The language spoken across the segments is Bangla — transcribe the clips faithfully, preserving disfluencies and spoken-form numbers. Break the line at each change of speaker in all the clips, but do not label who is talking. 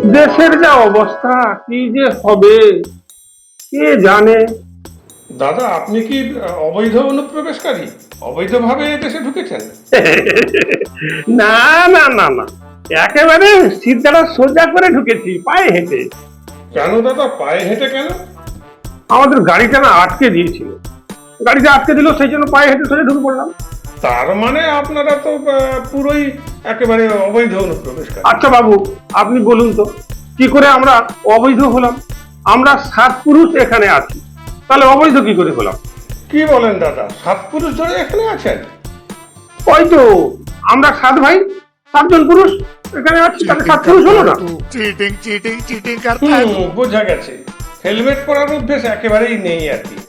দেশের যা অবস্থা, কি যে হবে কে জানে।
দাদা, আপনি কি অবৈধ অনুপ্রবেশকারী? অবৈধভাবে দেশে ঢুকেছেন?
না না না না, একেবারে সিদ্ধাটা সোজা করে ঢুকেছি পায়ে হেঁটে।
কেন দাদা, পায়ে হেঁটে কেন?
আমাদের গাড়িটা না আটকে দিয়েছিল, গাড়িটা আটকে দিল, সেই জন্য পায়ে হেঁটে সোজা ঢুকে পড়লাম।
তার মানে আপনারা তো আহ, পুরোই একেবারে অবৈধ অনুপ্রবেশকারী।
আচ্ছা বাবু, আপনি বলুন তো কি করে আমরা অবৈধ হলাম? আমরা সাত পুরুষ এখানে আছি, তাহলে অবৈধ কি করে হলাম?
কি বলেন দাদা, সাত পুরুষ ধরে এখানে আছেন?
ওই তো, আমরা সাত ভাই, সাতজন পুরুষ এখানে আছি, তাহলে সাত পুরুষ হলো না?
चीटिंग चीटिंग चीटिंग करता है
হুম, বোঝা গেছে। হেলমেট পরার অভ্যেস একেবারেই নেই আর কি।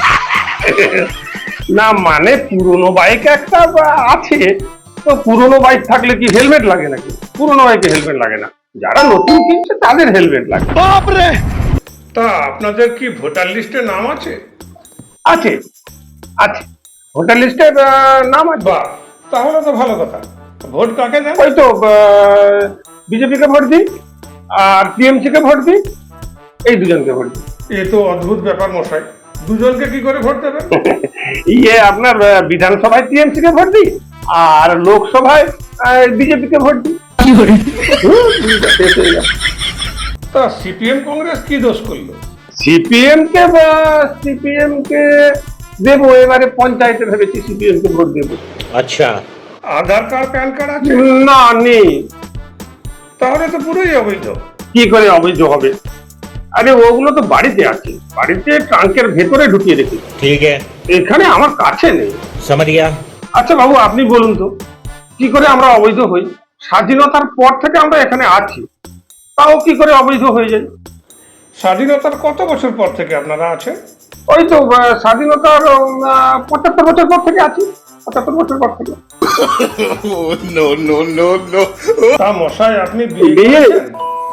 না মানে পুরনো বাইক একটা আছে, তো পুরনো বাইক থাকলে কি হেলমেট লাগে নাকি? পুরনো বাইকে হেলমেট লাগে না, যারা নতুন কিনছে তাদের হেলমেট লাগে।
बाप रे
তা আপনাদের কি ভোটার লিস্টে নাম আছে?
আছে আছে, ভোটার লিস্টে নাম আছে।
বাহ, তাহলে তো ভালো কথা। ভোট কাকে দেন?
ওই তো বিজেপি কে ভোট দিই আর টিএমসি কে ভোট দিই, এই দুজনকে ভোট দিই।
এ তো অদ্ভুত ব্যাপার মশাই, দুজনকে কি করে ভোট দেবেন?
ইয়ে আপনার আহ, বিধানসভায় টিএমসি কে ভোট দিই আর লোকসভায় বিজেপি কে ভোট দিই। হুম, শেষ হয়ে গেল।
তা সিপিএম কংগ্রেস কি দোষ করলো?
সিপিএম কে সিপিএম কে দেবো, এবারে পঞ্চায়েতে ভেবেছি সিপিএম কে ভোট দেবো।
अच्छा।
আধার কার্ড প্যান কার্ড আছে?
না নেই।
তাহলে তো পুরোই অবৈধ।
কি করে অবৈধ হবে? আরে ওগুলো তো বাড়িতে আছে, বাড়িতে ট্রাঙ্কের ভেতরে ঢুকিয়ে রেখেছি,
ठीक है,
এখানে আমার কাছে নেই।
समझ गया।
আচ্ছা বাবু, আপনি বলুন তো কি করে আমরা অবৈধ হই? স্বাধীনতার পর থেকে আমরা এখানে আছি, তাও কি করে অবৈধ হয়ে যাই?
স্বাধীনতার কত বছর পর থেকে আপনারা আছেন?
ওই তো আহ, স্বাধীনতার আহ, পঁচাত্তর বছর পর থেকে আছি, পঁচাত্তর বছর পর থেকে।
नो नो नो नो
তা মশাই, আপনি বিয়ে
বিয়ে?
করেছেন?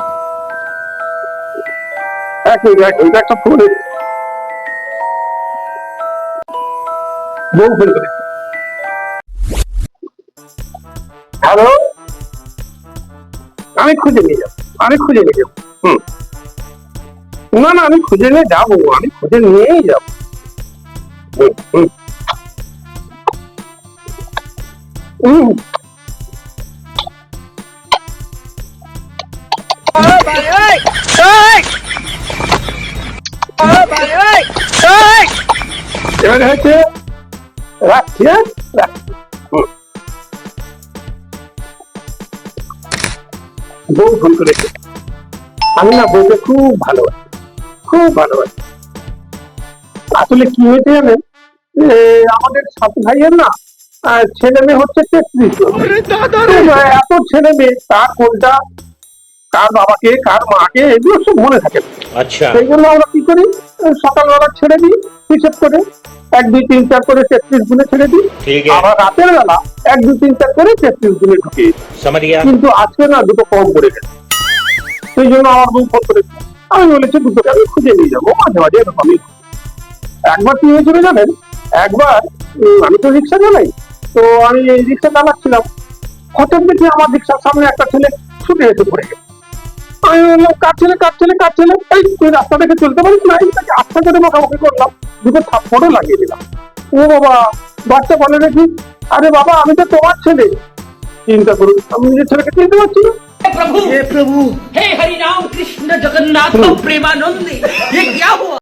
এক মিনিট, এক মিনিট, একটা ফোন এসেছে। বউ ফোন করে। হ্যালো, আমি খুঁজে নিয়ে যাবো, আমি খুঁজে নিয়ে যাবো। হুম, না না, আমি খুঁজে নিয়ে যাবো, আমি খুঁজে নিয়েই যাবো। হুম, হুম। হুম। এবারে হচ্ছে রাখছি, হ্যাঁ রাখছি। হুম। বউ ফোন করেছে। আমি না বউকে খুব ভালোবাসি, খুব ভালোবাসি। আসলে কি হয়েছে জানেন, এ, আমাদের সাত ভাইয়ের না আহ, ছেলে মেয়ে হচ্ছে তেত্রিশ জন। তো, আহ, এত ছেলে মেয়ে, কার কোনটা, কার বাবাকে কার মাকে, এগুলো সব মনে থাকে না।
अच्छा।
সেই জন্য আমরা কি করি, আহ, সকালবেলা ছেড়ে দিই হিসেব করে, এক দুই তিন চার করে তেত্রিশ গুণে ছেড়ে দিই।
ठीक है,
আবার রাতের বেলা এক দুই তিন চার করে তেত্রিশ গুণে ঢুকিয়ে দিই।
समझ गया।
কিন্তু আজকে না দুটো কম পড়ে গেছে, সেই জন্য আমার বউ ফোন করেছে। আমি বলেছি দুটোকে আমি খুঁজে নিয়ে যাবো, মাঝে মাঝে এরকমই হয়। একবার কি হয়েছিল জানেন, একবার উম, আমি তো রিক্সা চালাই, তো আমি এই রিক্সা চালাচ্ছিলাম, হঠাৎ দেখি আমার রিক্সার সামনে একটা ছেলে ছুটে এসে পড়ে গেছে। আমি বললাম কার ছেলে, কার ছেলে, কার ছেলে, এই তুই রাস্তা থেকে চলতে পারিস না? এই তাকে আস্তে করে মোকামুখি করলাম, দুটো থাপ্পড়ও লাগিয়ে দিলাম। ও বাবা, বাচ্চা বলে দেখি, আরে বাবা আমি তো তোমার ছেলে। চিন্তা করুন, আমি নিজের ছেলেকে চিনতে পারছি না।
हे प्रभु हे प्रभु हे हरि राम कृष्ण जगन्नाथ प्रेमानंद ये क्या हुआ?